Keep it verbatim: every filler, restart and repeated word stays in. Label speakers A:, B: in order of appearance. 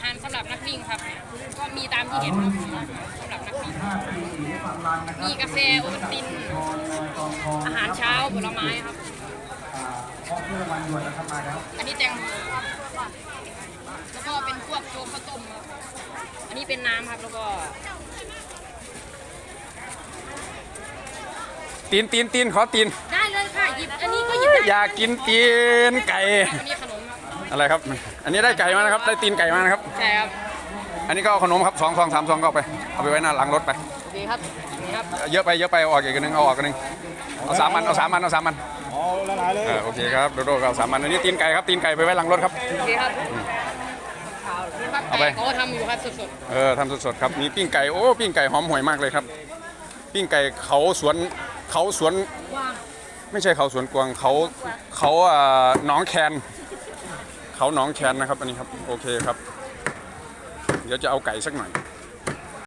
A: หารสำหรับนักวิ่งครับก็มีตามที่เห็นครับสำหรับนักวิ่งมีกาแฟโอวัลตินอาหารเช้าผลไม้ครับอันนี้แตงโมแล้วก็เป็นพวกโจ๊กข้าวต้มครับอันนี้เป็นน้ำครับแล้วก็
B: ตีนตีนตีนขอตีน
A: ได้เลยค่ะหยิบอันนี้ก็หยิบได้
B: อยากกินตีนไก่
A: อันนี้ขนมครับ
B: อะไรครับอันนี้ได้ไก่มานะครับได้ตีนไก่มานะครับ
A: ใช่ครับ
B: อันนี้ก็เอาขนมครับสองซองสามซองก็เอาไปเอาไปไว้หน้าหลังรถไป
A: โอเคครับนี่ครับ
B: เยอะไปเยอะไปเอาออกอีกนึงเอาออกกันนึงเอาสามมันเอาสามมันเอาสามมัน
C: อ๋อละลายเลย
B: โอเคครับโดโดก็เอาสามมันอันนี้ตีนไก่ครับตีนไก่ไปไว้หลังรถครับ
A: โอเคครับเอาไปเขาทำอยู่ครับสด
B: ๆเออทำสดๆครับมีปิ้งไก่โอ้ปิ้งไก่หอมห่วยมากเลยครับปิ้งไก่เขาสวนเขาสวนไม่ใช่เขาสวนกวางเขาเขาอ่าหนองแคนเขาหนองแคนนะครับอันนี้ครับโอเคครับเดี๋ยวจะเอาไก่สักหน่อย